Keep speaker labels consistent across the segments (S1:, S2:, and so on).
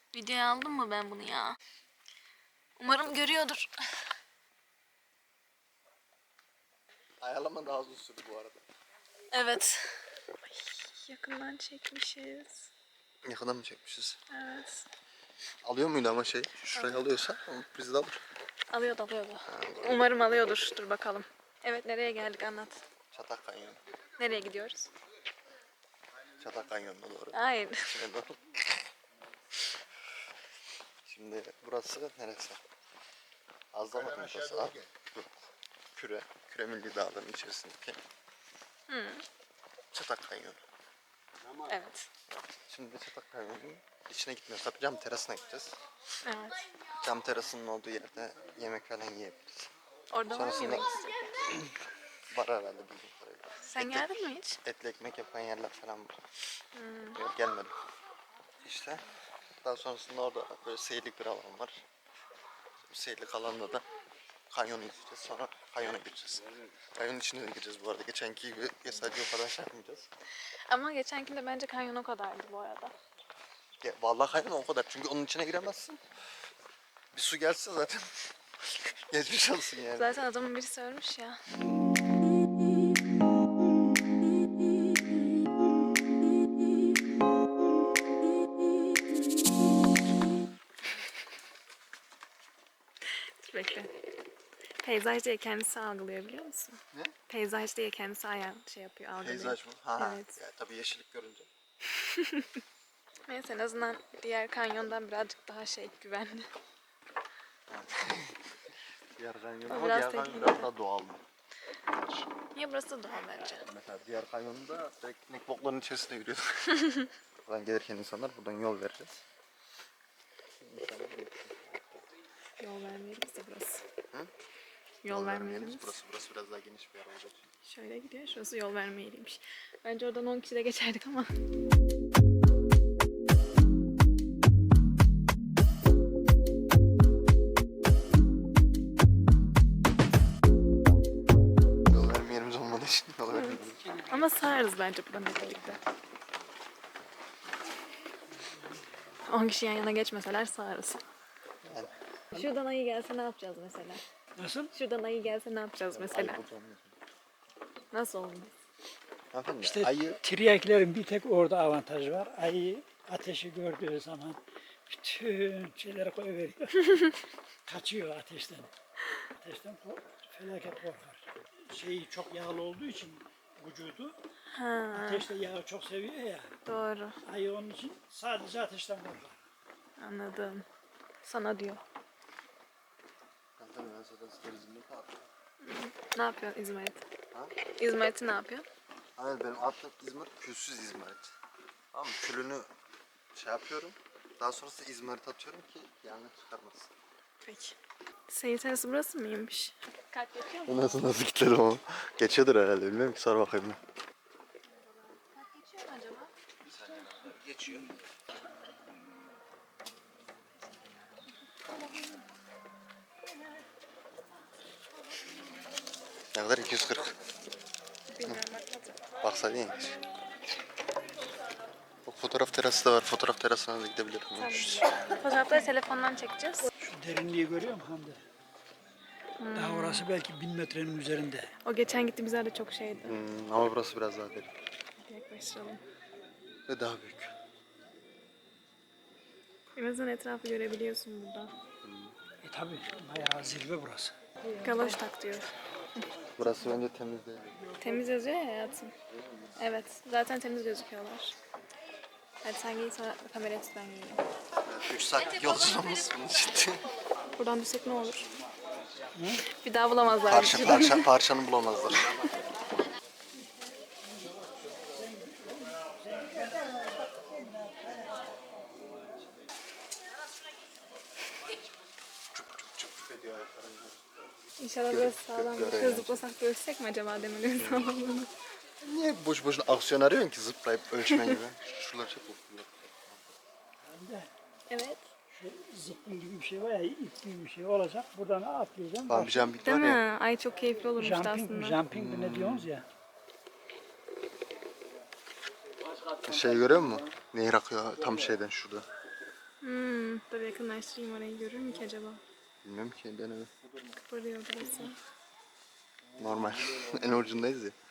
S1: Videoya aldım mı ben bunu ya? Umarım görüyordur.
S2: Ayarlama daha uzun sürdü bu arada.
S1: Evet. Ay, yakından çekmişiz.
S2: Yakından mı çekmişiz?
S1: Evet.
S2: Alıyor muydu ama şey? Şurayı alıyorsa bizi de alır.
S1: Alıyordu. Umarım alıyordur. Dur bakalım. Evet, nereye geldik anlat.
S2: Çatak Kanyonu.
S1: Nereye gidiyoruz?
S2: Çatak Kanyonu'na doğru.
S1: Hayır.
S2: İçine doğru. Şimdi burası neresi? Azdamak noktası. Küre. Küre Milli Dağları'nın içerisindeki Çatak Kanyonu.
S1: Evet.
S2: Şimdi Çatak Kanyonu'nun içine gitmiyoruz. Tabii cam terasına gideceğiz.
S1: Evet.
S2: Cam terasının olduğu yerde yemek falan yiyebiliriz.
S1: Orada var mı
S2: Sonrasında
S1: yemek isteyen?
S2: var herhalde bildiğim kadarıyla.
S1: Sen geldin mi hiç?
S2: Etli ekmek yapan yerler falan var. Yok, gelmedim. İşte daha sonrasında orada böyle seyirlik bir alan var. Bu seyirlik alanda da kanyonu izleyeceğiz. Sonra kanyona gireceğiz. Kanyonun içine de gireceğiz bu arada. Geçenki gibi sadece o kadar şey yapmayacağız.
S1: Ama geçenkinde bence kanyon o kadardı bu arada.
S2: Ya, vallahi kanyon o kadar. Çünkü onun içine giremezsin. Bir su gelse zaten geçmiş olsun yani.
S1: Zaten adamın birisi ölmüş ya. Dur bekle. Peyzaj diye kendisi algılıyor biliyor musun?
S2: Ne?
S1: Peyzaj diye kendisi şey yapıyor, algılıyor.
S2: Peyzaj mı? Ha.
S1: Evet.
S2: Ya, tabii yeşillik görünce.
S1: Neyse en azından diğer kanyondan birazcık daha güvenli.
S2: Diğer kanyon
S1: O
S2: ama
S1: biraz
S2: diğer kanyon
S1: tehlikeli.
S2: biraz daha doğal.
S1: Niye burası da doğal bence?
S2: Mesela diğer kanyonda direkt inek boklarının içerisinde yürüyorduk. Buradan gelirken insanlar buradan yol vereceğiz.
S1: Yol vermeyelim bize burası.
S2: Hı?
S1: Yol vermeyelim.
S2: Burası biraz daha geniş bir yer olacak.
S1: Şöyle gidiyor, şurası yol vermeyeliymiş. Bence oradan 10 kişi de geçerdik ama.
S2: Yol verme yerimiz olmadığı için yol vermeyelim.
S1: Ama sığarız bence buradan hep birlikte. 10 kişi yan yana geçmeseler sığarız.
S2: Yani.
S1: Şuradan ayı gelse ne yapacağız mesela?
S3: Nasıl?
S1: Şuradan ayı gelse ne yapacağız mesela? Nasıl olmuş?
S2: Hanımefendi,
S3: İşte
S2: ayı
S3: tiryaklerin bir tek orada avantajı var. Ayı ateşi gördüğü zaman bütün şeyleri koyuveriyor. Kaçıyor ateşten. Ateşten felaket korkar. Şeyi çok yağlı olduğu için vücudu ateşte yağı çok seviyor ya.
S1: Doğru.
S3: Ayı onun için sadece ateşten korkar.
S1: Anladım. Sana diyor.
S2: Hanımefendi, ben zaten sizlerin ne yapayım?
S1: Ne yapıyorsun İzmarit?
S2: Ha?
S1: İzmarit'i ne yapıyorsun?
S2: Hayır, benim attığım İzmarit külsüz İzmarit. Tamam mı? Külünü şey yapıyorum. Daha sonrasında İzmarit atıyorum ki yangın çıkarmasın.
S1: Peki. Seyir terası burası mıymış? Kalp geçiyor mu?
S2: Nasıl kilitledim ama? Geçiyordur herhalde, bilmiyorum ki, sor bakayım.
S1: Kalp geçiyor mu acaba?
S2: Geçiyor. Ne kadar? 240.
S1: Bilmiyorum bakmadım.
S2: Baksaydın ya. Bak, fotoğraf terası da var. Fotoğraf terasına da gidebilirim.
S1: Fotoğrafları telefondan çekeceğiz.
S3: Şu derinliği görüyor musun Hande? Daha orası belki 1000 metrenin üzerinde.
S1: O geçen gittiğimiz yerde çok şeydi.
S2: Ama burası biraz daha derin.
S1: Yaklaştıralım.
S2: Ve daha büyük.
S1: En azından etrafı görebiliyorsun burada.
S3: Tabi bayağı zirve burası.
S1: Galoş tak diyor.
S2: Burası bence temiz değil.
S1: Temiz yazıyor ya hayatım. Evet. Zaten temiz gözüküyorlar. Hadi sen giy sonra kamerayı tut ben giyeyim.
S2: 3 saatlik yolculuğumuz bunun için.
S1: Buradan düşsek ne olur? Bir daha bulamazlar.
S2: Parçanı bulamazlar.
S1: İnşallah burası sağlam. Şöyle zıplasak görüşsek mi acaba demirlerin sağlamlığını?
S2: Niye boş boşuna aksiyon arıyorsun ki zıplayıp ölçme gibi? Şuralar çok okuyor.
S3: Hande
S1: Evet.
S3: şu zıpkın gibi bir şey var ya, ip gibi bir şey olacak. Buradan atlayacaksın.
S2: Bambi jumping
S1: Değil
S2: var
S1: mi?
S2: ya.
S1: Ay çok keyifli olurmuş
S3: Jumping mi?
S1: aslında.
S3: Jumping mi ne diyorsunuz ya?
S2: Şey görüyor musun? Nehir akıyor tam şeyden şurada.
S1: Dur yakınlaştırayım, orayı görür mü ki acaba?
S2: Bilmiyorum ki, deneme.
S1: Kıpırdıyor burası.
S2: Normal. En ucundayız ya.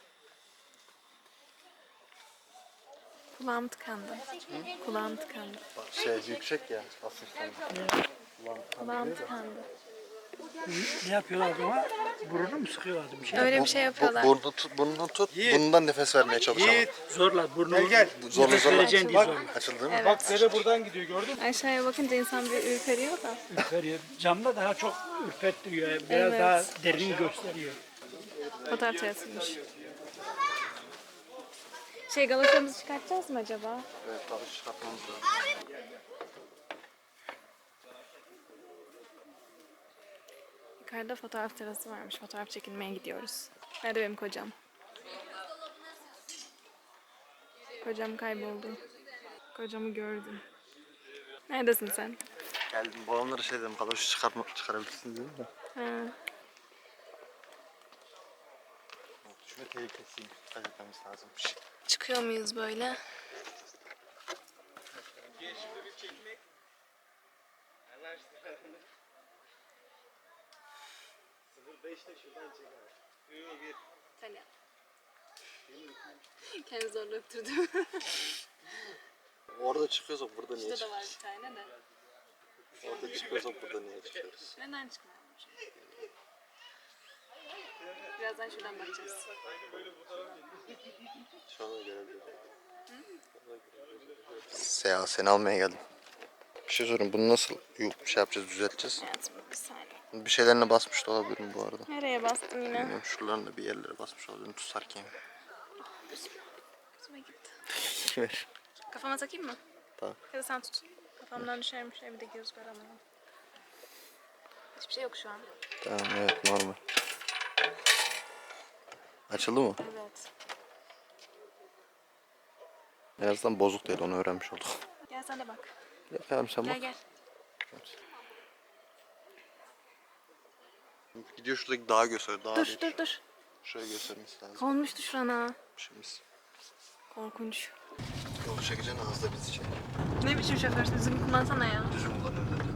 S1: Kulağım tıkandı. Kulağım tıkandı.
S2: Şey yüksek ya basınçtan.
S1: Kulağım tıkandı.
S3: Ne yapıyorlar ama burnunu mu sıkıyorlardı bir şey?
S1: Öyle bir şey yapıyorlar.
S2: Burnunu tut. Bundan nefes vermeye çalış ama.
S3: Zorla burnunu
S2: Zorla
S3: nefes
S2: zorla.
S3: vereceksin diye zorla.
S2: Açıldı mı?
S1: Evet.
S4: Bak dere buradan gidiyor gördün mü?
S1: Aşağıya bakınca insan bir ürperiyor da.
S3: Ürperiyor. Camda daha çok ürpettiriyor. Biraz
S1: Evet.
S3: daha derin gösteriyor.
S1: Fotoğraf çarpılmış. Galoşamızı çıkartacağız mı acaba?
S2: Evet, dalış çıkartmamız lazım.
S1: Yukarıda fotoğraf terası varmış. Fotoğraf çekilmeye gidiyoruz. Nerede benim kocam? Kocam kayboldu. Kocamı gördüm. Neredesin sen?
S2: Geldim, babamlara şey dedim, kaloş çıkarabilirsiniz dedim de.
S1: Ha.
S2: Düşme tehlikesiyim, dikkat etmemiz lazım.
S1: Çıkıyor muyuz böyle? Sen yap. Kendimi zorla öptürdüm.
S2: Orada çıkıyorsak burada niye
S1: Şurada da var
S2: çıkıyoruz?
S1: bir tane de.
S2: Orada çıkıyorsak burada niye çıkıyoruz?
S1: Neden çıkmayalım? Birazdan şuradan bakacağız.
S2: Şu anda görebilirim. Seha, seni almaya geldim. Bir şey sorayım, bunu nasıl şey yapacağız, düzelteceğiz?
S1: Hayatım bir saniye.
S2: Bir şeylerine basmış da olabilirim bu arada.
S1: Nereye bastım yine?
S2: Bilmiyorum, şuralarında bir yerlere basmış olabilirim tutarken.
S1: Gözüme gitti.
S2: Ver.
S1: Kafama takayım mı?
S2: Tamam.
S1: Ya da sen tut. Kafamdan düşermiş, evde göz göremem. Hiçbir şey yok şu an.
S2: Tamam, evet, normal. Açıldı mı?
S1: Evet.
S2: En azından bozuk değil, onu öğrenmiş olduk.
S1: Gel sen de bak.
S2: Yapalım sen
S1: Gel
S2: bak.
S1: gel.
S2: Gidiyor şuradaki dağı göster, dağı
S1: Dur
S2: değil.
S1: dur dur.
S2: Şuraya göstermesi lazım.
S1: Konmuştu şurana.
S2: Şimdi
S1: Korkunç.
S2: yol çekeceksin, ağızda bizi çek.
S1: Ne biçim şoförsün? Düzgün kullansana ya.
S2: Düzgün kullanıyorum dedi.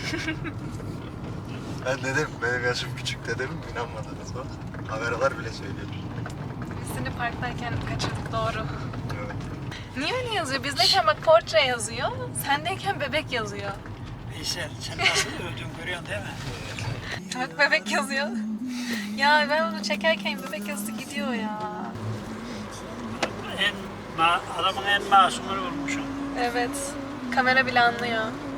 S2: Ben dedim, benim yaşım küçük dedim, inanmadınız bak. Kameralar bile söylüyor.
S1: Biz seni parktayken kaçırdık, doğru.
S2: Evet.
S1: Niye öyle yazıyor? Bizdeyken bak portre yazıyor. Sendeyken bebek yazıyor.
S3: Veysel sen nasıl öldün görüyorsun değil mi?
S1: Bak bebek yazıyor. Ya ben bunu çekerken bebek yazısı gidiyor ya.
S3: Adamın en masumunu vurmuşum.
S1: Evet. Kamera bile anlıyor.